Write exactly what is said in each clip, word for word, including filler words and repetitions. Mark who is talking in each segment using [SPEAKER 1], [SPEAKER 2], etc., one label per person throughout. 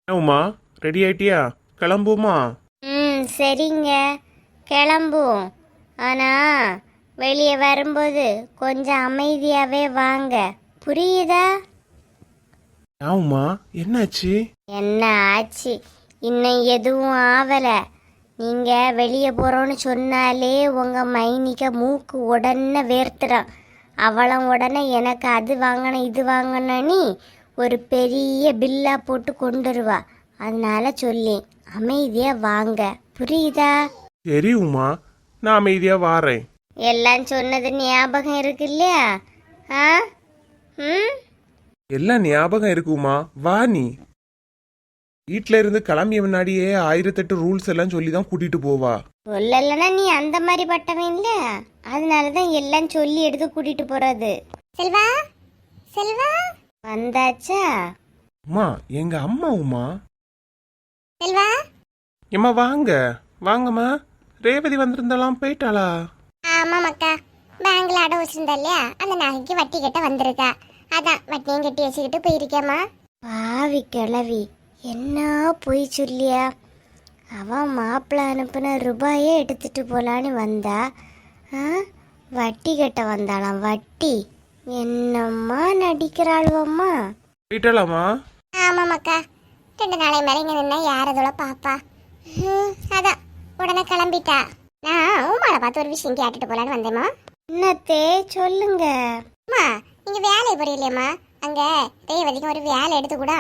[SPEAKER 1] Uma, ready ஆயிட்டியா? கிளம்புமா?
[SPEAKER 2] ம் சரிங்க, கிளம்புவோம். ஆனால் வெளியே வரும்போது கொஞ்சம் அமைதியாகவே வாங்க, புரியுதா?
[SPEAKER 1] உமா, என்னாச்சு?
[SPEAKER 2] என்ன ஆச்சு? இன்னும் எதுவும் ஆவலை. நீங்கள் வெளியே போகிறோன்னு சொன்னாலே உங்கள் மைனிக்க மூக்கு உடனே வேர்த்துறான். அவளும் உடனே எனக்கு அது வாங்கணும் இது வாங்கணும்னு ஒரு பெரிய பில்லா போட்டு கொண்டு வருவா. அதனால சொல்லி அமைதியாக வாங்க, புரியுதா?
[SPEAKER 1] சரி உமா, நான் அமைதியா வாரேன்.
[SPEAKER 2] எல்லாம் சொன்னது ஞாபகம் இருக்கு இல்லையா? ஆ ம்
[SPEAKER 1] எல்லாம் ஞாபகம் இருக்குமா? வா நீ. வீட்ல இருந்து கிளம்பிய முன்னாடியே ஆயிரத்தெட்டு ரூல்ஸ் எல்லாம் சொல்லி தான் கூட்டிட்டு போவா.
[SPEAKER 2] சொல்லலைன்னா நீ அந்த மாதிரி பட்டவன் இல்ல, அதனால தான் எல்லாம் சொல்லி எடுத்து கூட்டிட்டு போறது. செல்வா, செல்வா வந்தாச்சா?
[SPEAKER 1] உமா, எங்க அம்மா உமா.
[SPEAKER 2] செல்வா,
[SPEAKER 1] எம்மா வாங்க, வாங்கம்மா. ரேவதி வந்திருந்தாலாம், போயிட்டாளா?
[SPEAKER 2] ஆமா மக்கா, பேங்க்ல அடை வச்சிருந்தா இல்லையா, அந்த நகைக்கு வட்டி கட்ட வந்திருக்கா. அதான் வட்டியும் கட்டி வச்சுக்கிட்டு போயிருக்கேம்மா. பாவி கிளவி, என்ன போய் சொல்லியா? அவன் மாப்பிள்ள அனுப்பின ரூபாயே எடுத்துட்டு போலான்னு வந்தா, ஆ, வட்டி கட்ட வந்தாளாம். வட்டி என்னம்மா நடிக்கிறாள்வம்மா.
[SPEAKER 1] போயிட்டாளாமா?
[SPEAKER 2] ஆமா மக்கா, ரெண்டு நாளை மேலே இங்க நின்னா யார் அதோட பாப்பா. ம், அதான் உடனே கிளம்பிட்டா. நான் உமாவை பார்த்து ஒரு விஷயம் கேட்டுட்டு போலான்னு வந்தேம்மா. என்னத்தே சொல்லுங்க. அம்மா, நீங்க வேலையை புரியலையம்மா, அங்க ரேவதிக்கு ஒரு வேலை எடுத்து கூட.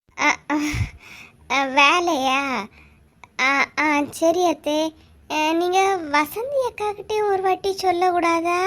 [SPEAKER 2] வேலையா? ஆ ஆ சரி அத்தே. நீங்க வசந்தி அக்கா கிட்டே ஒரு வாட்டி சொல்லக்கூடாதா?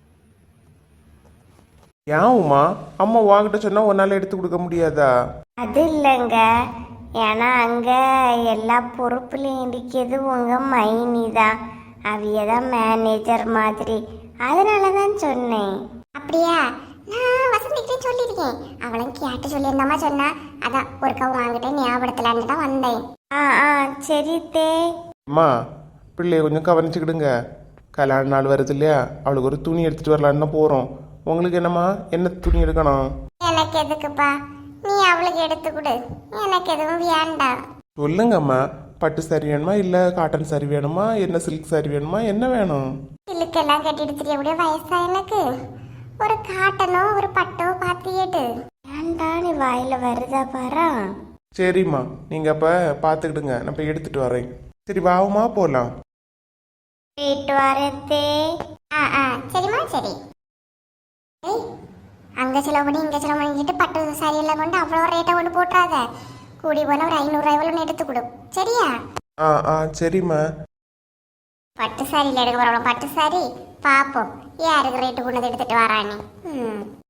[SPEAKER 1] ஏன் உமா, அம்மா வாங்கிட்ட சொன்னா உன்னால எடுத்து கொடுக்க முடியாதா?
[SPEAKER 2] அது இல்லைங்க, ஏன்னா அங்க எல்லா பொறுப்புலையும் இருக்கிறது உங்க மைனி தான். அவிய தான் மேனேஜர் மாதிரி, அதனால தான் சொன்னேன். அப்படியா? நான் வசந்திக்கிட்டே சொல்லியிருக்கேன், அவளும் கேட்டு சொல்லியிருந்தாமா சொன்னா. அதான் ஒரு கவு வாங்கிட்டே ஞாபகத்துலான்னு தான் வந்தேன். ஆ ஆ சரி தே.
[SPEAKER 1] அம்மா, பிள்ளைய கொஞ்சம் கவனிச்சுக்கிடுங்க. கல்யாண நாள் வருது இல்லையா, அவளுக்கு ஒரு துணி எடுத்துட்டு வரலான்னு தான் போறோம். உங்களுக்கு என்னம்மா, என்ன துணி எடுக்கணும்?
[SPEAKER 2] எனக்கு எதுக்குப்பா, நீ அவளுக்கு எடுத்து கொடு, எனக்கு எதுவும் வேண்டாம்.
[SPEAKER 1] சொல்லுங்கம்மா, பட்டு சாரி வேணுமா இல்லை காட்டன் சாரி வேணுமா, என்ன சில்க் சாரி வேணுமா, என்ன வேணும்?
[SPEAKER 2] சில்லுக்கெல்லாம் கட்டிட்டு தெரியக்கூடிய வயசா எனக்கு? ஒரு காட்டனோ ஒரு பட்டோ பார்த்து எடு. ஏன்டா நீ வாயில வருதா பாரா.
[SPEAKER 1] சரிம்மா, நீங்க அப்ப பாத்துக்கிடுங்க, நான் போய் எடுத்துட்டு வரேன். சரி வாவுமா, போலாம்.
[SPEAKER 2] போயிட்டு வரத்தே. ஆ ஆ சரிம்மா சரி. ஏய், அங்க செலவு பண்ணி இங்க செலவு பண்ணிக்கிட்டு பட்டு சாரி எல்லாம் கொண்டு அவ்வளோ ரேட்டை கொண்டு போட்டுறாத. கூடி போன ஒரு ஐநூறுரூவாய் ஒன்று எடுத்து கொடு, சரியா?
[SPEAKER 1] ஆ ஆ சரிம்மா.
[SPEAKER 2] பட்டு சாரியில் எடுக்க போகிறோம், பட்டு சாரி பார்ப்போம் யாருக்கு ரேட்டு கொண்டு எடுத்துட்டு வரானே. ம்